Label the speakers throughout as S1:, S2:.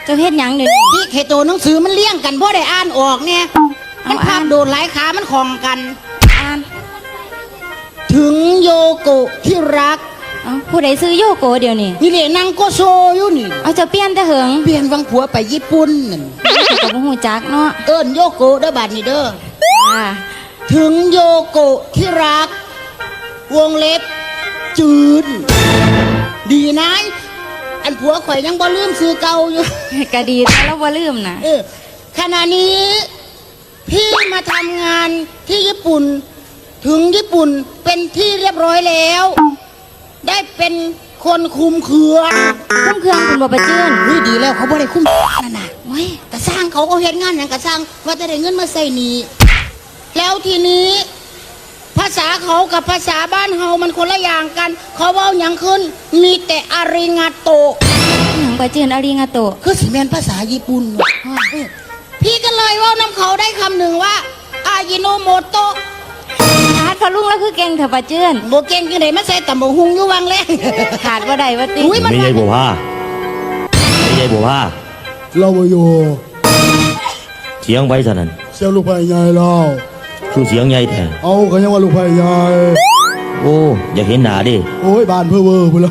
S1: เจ้าเฮ็ดหยังเดี๋ยวนี้
S2: ที่ไข่โตหนังสือมันเลี้ยงกันเพราะได้อ่านออกเนี่ยมันภาพโดดหลายขามันคล้องกัน
S1: อ่าน
S2: ถึงโยโกะที่รัก
S1: ผู้ใดซื้อโยโกเดี๋ยวนี้
S2: นี่เลยนางโกโซอยู่นี่
S1: เอาเจ้าเปลี่ยนแต่เหิง
S2: เปลี่ยนวังผัวไปญี่ปุ่นนั่น
S1: กับบ่ฮู้จักเนาะ
S2: เอิ้นโยโกะเด้อบาดนี้เด้อ
S1: อ่า
S2: ถึงโยโกะที่รัก วงเล็บจืดดีนะอันผัวข่อยยังบ่ลืมซื้อเก่าอยู่
S1: ก็ดีแล้วบ่ลืมนะ
S2: ขณะนี้พี่มาทำงานที่ญี่ปุ่น ถึงญี่ปุ่นเป็นที่เรียบร้อยแล้ว ได้เป็นคนคุมเครือ
S1: คุ้มเครื่องคุณบ่ประจื้น
S2: นี่ดีแล้วเขาบ่ได้คุมนั่นน่ะ
S1: โอ้ย
S2: กระสร้างเขาก็เฮ็ดงานอย่างกระสร้างว่าจะได้เงินมาใส่หนี้แล้วทีนี้ ภาษาเขากับภาษาบ้านเฮามันคนละอย่างกัน เขาเว้าหยังขึ้น มีแต่อาริงาโต
S1: หยังประจื้นอาริงาโต
S2: คือสิแม่นภาษาญี่ปุ่นว่ะพี่ก็เลยเว่าน้ำเขาได้คำหนึ่งว่าอายิโนโมโตะ
S1: ขาดพอลุงแล้วคือเก่งเถอะประจื้น
S2: โบเก่งยังไงมาใส่ตำบกหุงอยู่วังแรง
S1: ขาดบ่ได้ว่าติ
S2: อุ้ยมัน
S3: ไม่ใช่บัวผ้าไม่ใช่บัวผ้า
S4: เราบ่อยู่
S3: เสียงไปซะนั่น
S4: เสียงลูกไผ่ใหญ่เรา
S3: คือเสียงใหญ่แท้
S4: เอาก็ยังว่าลูกไผ่ใหญ่
S3: โอ้อยากเห็นหน้าดิ
S4: โอ้ยบานเพื่อเวอร์พุ่นละ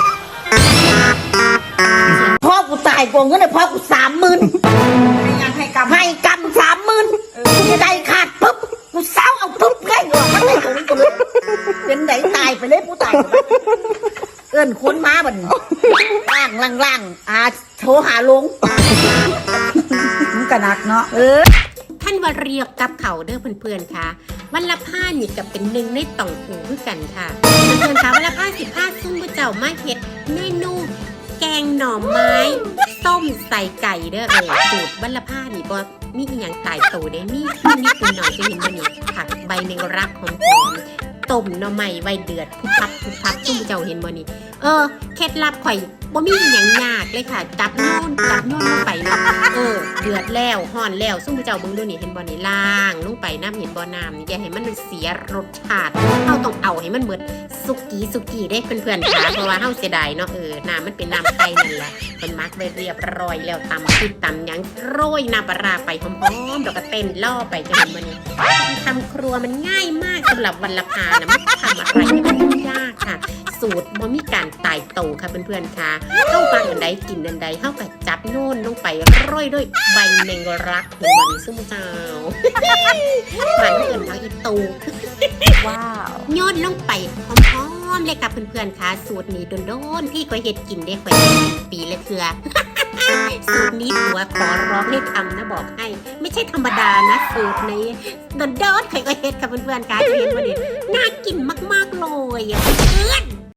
S5: พ่อกูตายโกงเงินเลยพ่อกู30,000ให้กำ30,000กูใจขาดปุ๊บกูเศร้าเอาปุ๊บไงหรอกมันไม่ถึงกูเลยเป็นไหนตายไปเลยกูตายเอิ้นคนมาบัดล่างโทรหาลงมันกระนักเนาะ
S6: ท่านว่าเรียกกับเขาเด้อเพื่อนๆค่ะวันละผ้านี่กับเป็นหนึ่งในต่องหูคือกันค่ะเพื่อนๆค่ะวันละผ้า15ซุ่มผู้เจ้ามาเฮ็ดเมนูแกงหน่อไม้ต้มใส่ไก่เด้อสูตรวันละผ้านี่บ่มีอีหยังตายโตเด้มีนิดหน่อยจะเห็นบ่นี่ผักใบแมงรักหอมๆต้มหน่อไม้ไว้เดือดพุบพับซุ่มผู้เจ้าเห็นบ่นี่เคล็ดลับข่อยบ่มีอีหยังยากเลยค่ะจับโน่นลงไปเนาะเดือดแล้วห่อนแล้วซุ่มผู้เจ้าเบิ่งดูนี่เห็นบ่นี่ล่างลงไปน้ำเห็นบ่น้ำนี่อย่าให้มันเสียรสชาติเฮาต้องเอาให้มันเหมือนสุกี้ได้เพื่อนๆค่ะเพราะว่าเฮาเสียดายเนาะน้ำมันเป็นน้ำไก่นั่นแหละเพิ่นมักไว้เรียบร้อยแล้วตำพริกตำหยังโรยน้ำปลาร้าไปหอมๆแล้วก็เต้นล่อไปจะเห็นบ่นี่ทำครัวมันง่ายมากสำหรับวันละพานะมันทำอะไรที่มันยากค่ะสูตรบ่มีการตายโตค่ะเพื่อนๆค่ะเข้าฟังอันใดกินอันใดเข้ากับจับโน่นลงไปโรยด้วยใบแมงรักของมันซึ่งเจ้าหวานเกินทางอีตูว้าวโยนลงไปหอมๆเลยค่ะเพื่อนๆค่ะสูตรนี้โดนๆพี่ก็เห็ดกินได้ค่อยปีละเทื่อสูตรนี้หัวขอร้องให้ทำนะบอกให้ไม่ใช่ธรรมดานะสูตรนี้โดนๆใครก็เห็ดค่ะเพื่อนๆค่ะเห็นวันนี้น่ากินมากๆเลยเพื่อน